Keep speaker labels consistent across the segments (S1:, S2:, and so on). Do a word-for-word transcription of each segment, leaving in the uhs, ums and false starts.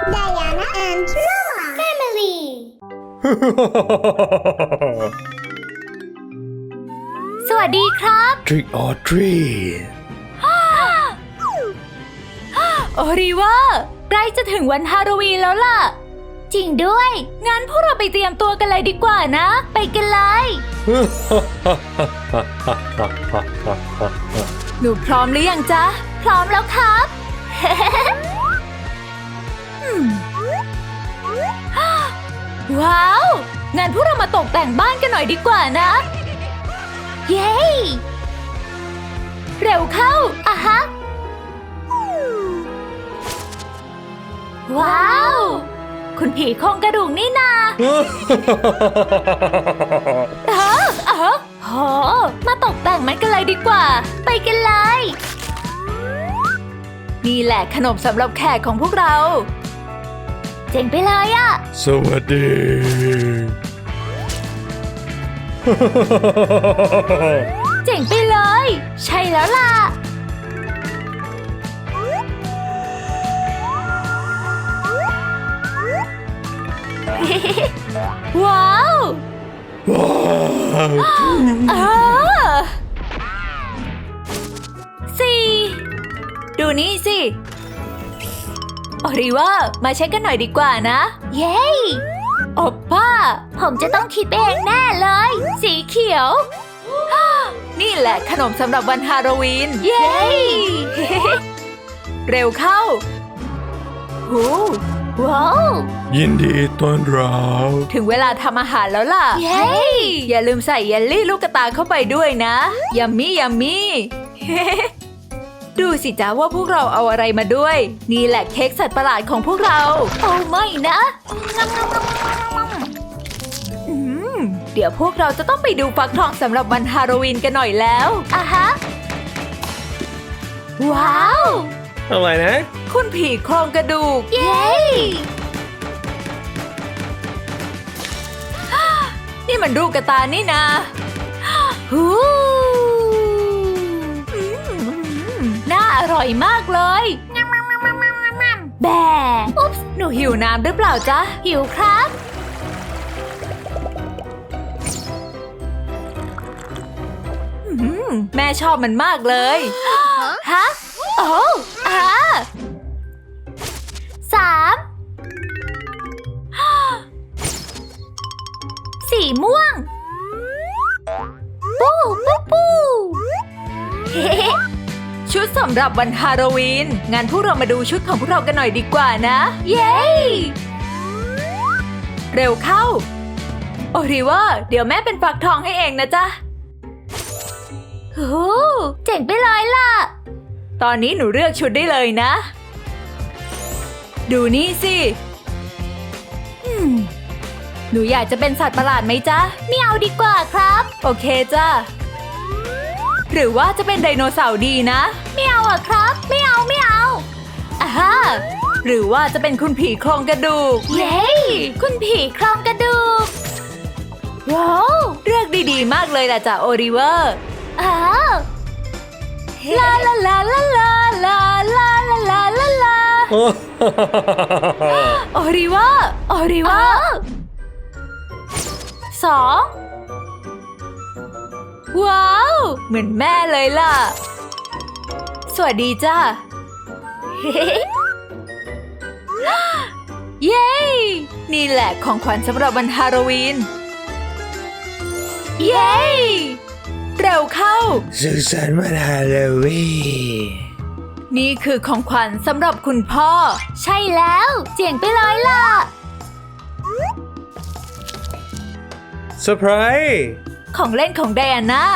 S1: Diana and Noah Family
S2: สวัสดีครับ
S3: Trick or treat
S2: โอริว่าใกล้จะถึงวันฮาโลวีนแล้วล่ะจริงด้วยงั้นพวกเราไปเตรียมตัวกันเลยดีกว่านะไปกันเลยหนูพร้อมหรือยังจ๊ะพร้อมแล้วครับ ว้าวงั้นพวกเรามาตกแต่งบ้านกันหน่อยดีกว่านะเย้เร็วเข้าอะฮะว้าวคุณผีโครงกระดูกนี่นาเออเออโหมาตกแต่งมันกันเลยดีกว่าไปกันเลยนี่แหละขนมสำหรับแขกของพวกเราเจ๋งไปเลยอะ
S3: สวัสดี
S2: เจ๋งไปเลยใช่แล้วล่ะว้าว
S3: ว้าว
S2: เออสี่ดูนี่สิโอริว่ามาเช็คกันหน่อยดีกว่านะเย้โอป้าผมจะต้องคิดเองแน่เลยสีเขียวนี่แหละขนมสำหรับวันฮาโลวีนเย้ เร็วเข้าโอ้ว้าว
S3: ยินดีต้อนรับ
S2: ถึงเวลาทำอาหารแล้วล่ะเย้อย่าลืมใส่เยลลี่ลูกกระตาเข้าไปด้วยนะยัมมี่ยัมมี่ ดูสิจ้าว่าพวกเราเอาอะไรมาด้วยนี่แหละเค้กสัตว์ประหลาดของพวกเราโอ้ไม่นะอืมเดี๋ยวพวกเราจะต้องไปดูฟักทองสำหรับวันฮาโลวีนกันหน่อยแล้วอ่ะฮะว้าว
S3: อะไรนะ
S2: คุณผีโครงกระดูกเย้นี่มันรูปกระตายนี่นะฮู้น่าอร่อยมากเลยแบ่อุ๊บหนูหิวน้ำหรือเปล่าจ๊ะหิวครับแม่ชอบมันมากเลยฮะโอ้อาสามสีม่วงปูปูปูชุดสำหรับวันฮาโลวีนงั้นพวกเรามาดูชุดของพวกเรากันหน่อยดีกว่านะเย้เร็วเข้าโอริว่าเดี๋ยวแม่เป็นฟักทองให้เองนะจ๊ะโอ้เจ๋งไปเลยล่ะตอนนี้หนูเลือกชุดได้เลยนะดูนี่สิหนูอยากจะเป็นสัตว์ประหลาดไหมจ๊ะไม่เอาดีกว่าครับโอเคจ้ะหรือว่าจะเป็นไดโนเสาร์ดีนะไม่เอาอะครับไม่เอาไม่เอาอ่าฮะหรือว่าจะเป็นคุณผีโครงกระดูกเย้คุณผีโครงกระดูกว้าวเลือกดีๆมากเลยล่ะจ้ะโอริเวอร์อ้าวลาลาลาลาลาลาลาลาลาลาลาโอริเวอร์โอริเวอร์สองว้าวเหมือนแม่เลยล่ะสวัสดีจ้าเย้นี่แหละของขวัญสำหรับวันฮาโลวีนเย้เร็วเข้า
S3: สุขสันต์วันฮาโลวีน
S2: นี่คือของขวัญสำหรับคุณพ่อใช่แล้วเจ๋งไปเลยล่ะ
S3: เซอร์ไพรส์
S2: ของเล่นของไดอาน่า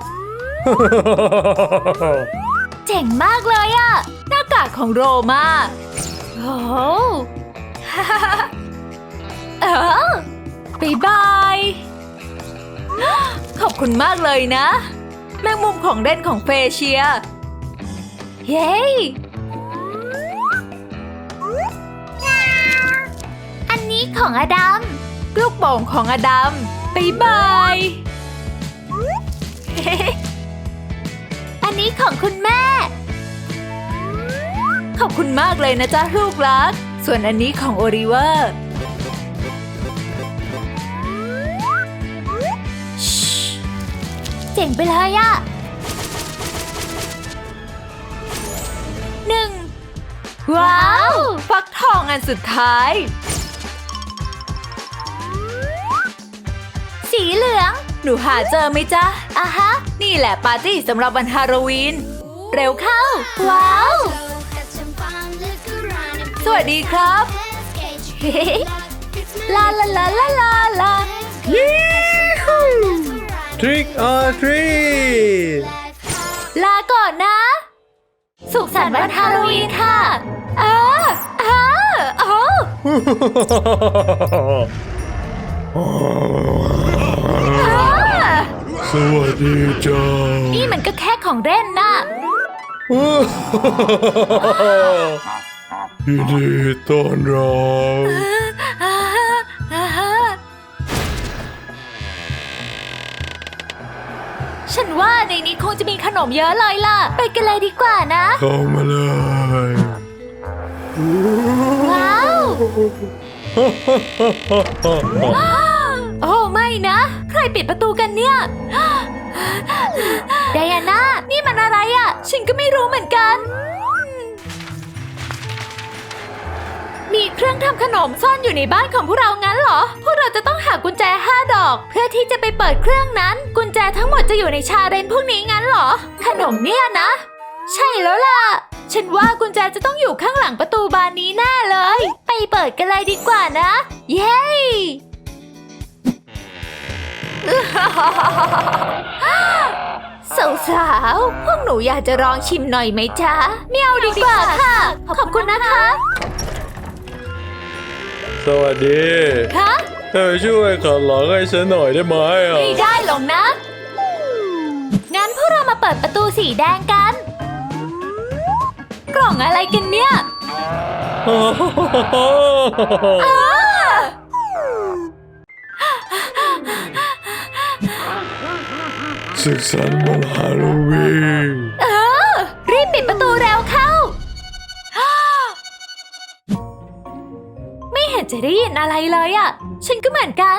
S2: เจ๋งมากเลยอะหน้ากากของโรมาโอ้โห เออบ๊ายบายขอบคุณมากเลยนะแมงมุมของเล่นของเฟเชียเย้อันนี้ของอดัมลูกโป่งของอดัมบ๊ายบายอันนี้ของคุณแม่ขอบคุณมากเลยนะจ๊ะลูกรักสส่วนอันนี้ของโอลิเวอร์เจ๋งไปเลยอะหนึ่งว้าว ฟักทองอันสุดท้าย สีเหลือง หนูหาเจอไหมจ๊ะอ่ะฮะ นี่แหละปาร์ตี้สำหรับวันฮาโลวีน เร็วเข้า ว้าว สวัสดีครับ ลาลาลาลาลาลา
S3: Trick or treat
S2: ลาก่อนนะ สุขสันต์วันฮาโลวีนค่ะอ้าอ้าโอ้
S3: สวัสดีจ้า
S2: นี่มันก็แค่ของเล่นนะ
S3: ยินดีต้อนรับ
S2: อ่าอ่าฉันว่าในนี้คงจะมีขนมเยอะเลยล่ะ ไปกันเลยดีกว่านะ
S3: เข้ามาเลย
S2: ว้าว โอ้ไม่นะ ใครปิดประตูกันเนี่ย ไดอาน่า นี่มันอะไรอ่ะ ฉันก็ไม่รู้เหมือนกัน มีเครื่องทำขนมซ่อนอยู่ในบ้านของพวกเรางั้นเหรอ พวกเราจะต้องหากุญแจห้าดอก เพื่อที่จะไปเปิดเครื่องนั้น กุญแจทั้งหมดจะอยู่ในชาเลนจ์พวกนี้งั้นเหรอ ขนมเนี่ยนะ ใช่แล้วล่ะ ฉันว่ากุญแจจะต้องอยู่ข้างหลังประตูบานนี้แน่เลย ไปเปิดกันเลยดีกว่านะ เย้ สาวๆ พวกหนูอยากจะลองชิมหน่อยไหมจ๊ะ ไม่เอาดีกว่าค่ะ ขอบคุณนะคะ
S3: สวัสดี
S2: คะ
S3: เธอช่วยขัดหลังให้ฉันหน่อยได้ไหมอ่ะ
S2: ไม่ได้หรอกนะ งั้นพวกเรามาเปิดประตูสีแดงกัน กล่องอะไรกันเนี่ยอ้า
S3: สุขสันต์วันฮาโลวีน
S2: เออ รีบปิดประตูเร็วเข้า ไม่เห็นจะได้ยินอะไรเลยอ่ะ ฉันก็เหมือนกัน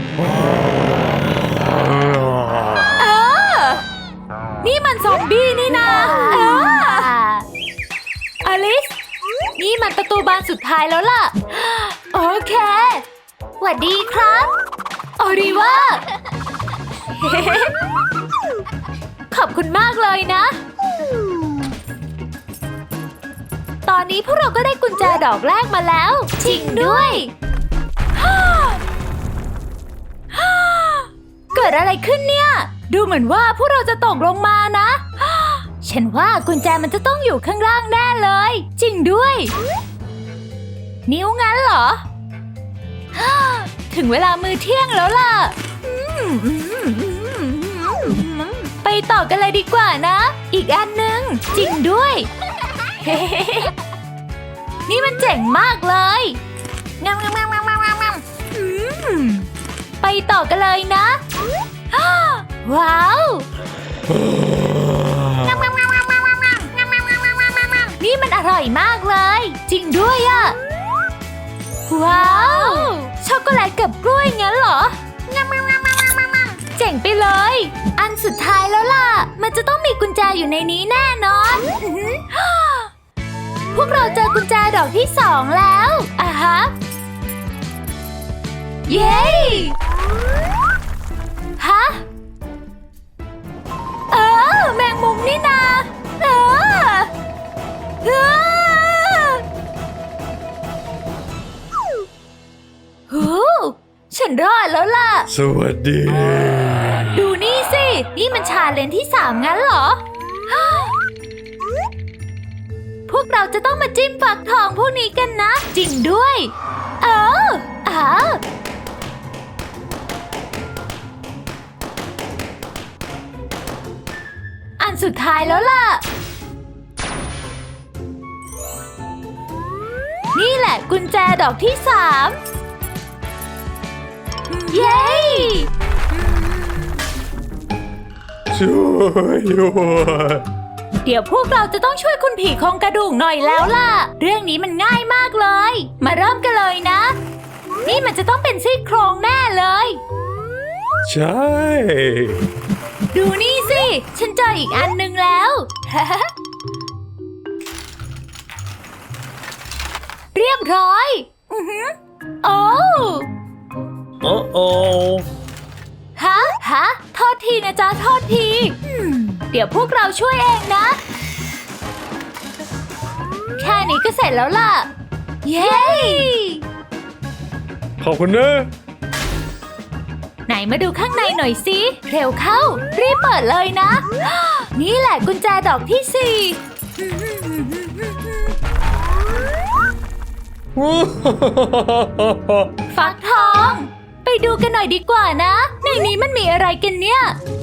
S2: เออ นี่มันซอมบี้นี่นาเอออลิส นี่มันประตูบานสุดท้ายแล้วล่ะ โอเคสวัสดีครับโอริว่า ขอบคุณมากเลยนะ ตอนนี้พวกเราก็ได้กุญแจดอกแรกมาแล้ว จริงด้วย เกิดอะไรขึ้นเนี่ย ดูเหมือนว่าพวกเราจะตกลงมานะ ฉันว่ากุญแจมันจะต้องอยู่ข้างล่างแน่เลย จริงด้วย นิ้วงั้นเหรอ ถึงเวลามื้อเที่ยงแล้วล่ะ ไปต่อกันเลยดีกว่านะ อีกอันหนึ่งจริงด้วย นี่มันเจ๋งมากเลยงามงามงามงามงามงามไปต่อกันเลยนะ ว้าวงามงามงามงามงามงามงามงามงามงามงามงามนี่มันอร่อยมากเลย จริงด้วยอะว้าวช็อกโกแลตกับกล้วยงั้นเหรองามงามงามงามงามงามเจ๋งไปเลย อันสุดท้ายแล้วล่ะ มันจะต้องมีกุญแจอยู่ในนี้แน่นอน พวกเราเจอกุญแจดอกที่สองแล้วอ่ะฮะ เย้ฮะ เออ แมงมุมนี่นาเออเออโหฉันรอดแล้วล่ะ
S3: สวัสดี
S2: ดูนี่สิ นี่มันชาเลนจ์ที่สามงั้นเหรอ พวกเราจะต้องมาจิ้มฝักทองพวกนี้กันนะ จริงด้วย เอออ่าอันสุดท้ายแล้วล่ะ นี่แหละกุญแจดอกที่สามเย้
S3: ช่วยด้วย
S2: เดี๋ยวพวกเราจะต้องช่วยคุณผีโครงกระดูกหน่อยแล้วล่ะ เรื่องนี้มันง่ายมากเลย มามันจะต้องเป็นซี่โครงแน่เลย
S3: ใช่
S2: ดูนี่สิ ฉันเจออีกอันหนึ่งแล้ว เรียบร้อย อือหือโอ้
S3: โอ้โอ้
S2: ฮะ ฮะ โทษทีนะจ๊ะ โทษทีอืมเดี๋ยวพวกเราช่วยเองนะ แค่นี้ก็เสร็จแล้วล่ะ เย้
S3: ขอบคุณนะ
S2: ไหนมาดูข้างในหน่อยสิ เร็วเข้า รีบเปิดเลยนะ นี่แหละกุญแจดอกที่สี่ ฟักทอง ไปดูกันหน่อยดีกว่านะ ในนี้มันมีอะไรกันเนี่ย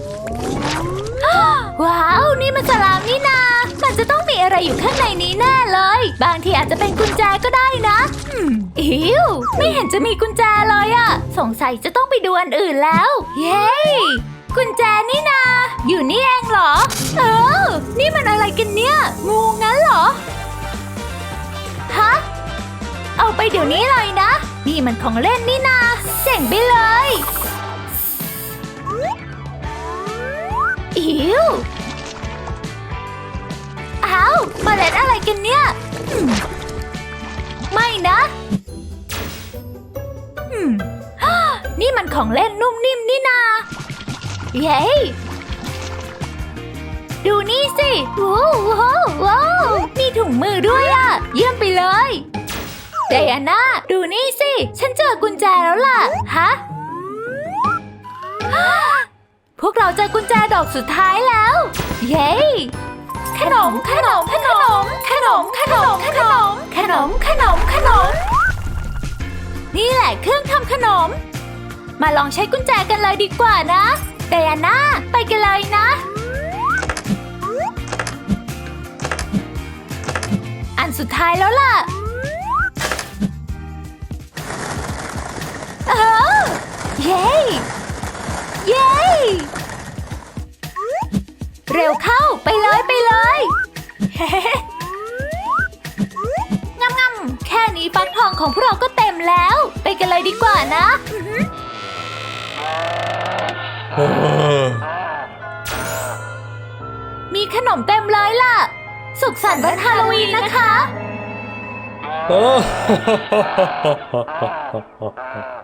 S2: ว้าว นี่มันสลามนี่นา มันจะต้องมีอะไรอยู่ข้างในนี้แน่เลย บางทีอาจจะเป็นกุญแจก็ได้นะอืมอิวไม่เห็นจะมีกุญแจเลยอะสงสัยจะต้องไปดูอันอื่นแล้ว เย้ กุญแจนี่นา อยู่นี่เองเหรอ เออ นี่มันอะไรกันเนี่ย งูงั้นเหรอ ฮะ เอาไปเดี๋ยวนี้เลยนะ นี่มันของเล่นนี่นา เจ๋งไปเลย อิวอ้าวเมล็ดอะไรกันเนี่ยอืมไม่นะอืมฮ่านี่มันของเล่นนุ่มนิ่มนี่นา เย้ ดูนี่สิว้าวว้าวว้าวมีถุงมือด้วยอะเยี่ยมไปเลยไดอาน่าดูนี่สิ ฉันเจอกุญแจแล้วล่ะ ฮะ พวกเราเจอกุญแจดอกสุดท้ายแล้ว เย้ ขนม ขนม ขนม ขนม ขนม ขนม ขนม ขนม ขนม นี่แหละเครื่องทำขนม มาลองใช้กุญแจกันเลยดีกว่านะไดอาน่าไปกันเลยนะ อันสุดท้ายแล้วล่ะ เออ เย้ เย้ เร็วเข้าไปเลยไปเลย เฮ้งำงำแค่นี้ฟักทองของพวกเราก็เต็มแล้ว ไปกันเลยดีกว่านะอื้อหือ
S3: เออ
S2: มีขนมเต็มเลยล่ะ สุขสันต์วันฮาโลวีนนะคะ
S3: เออ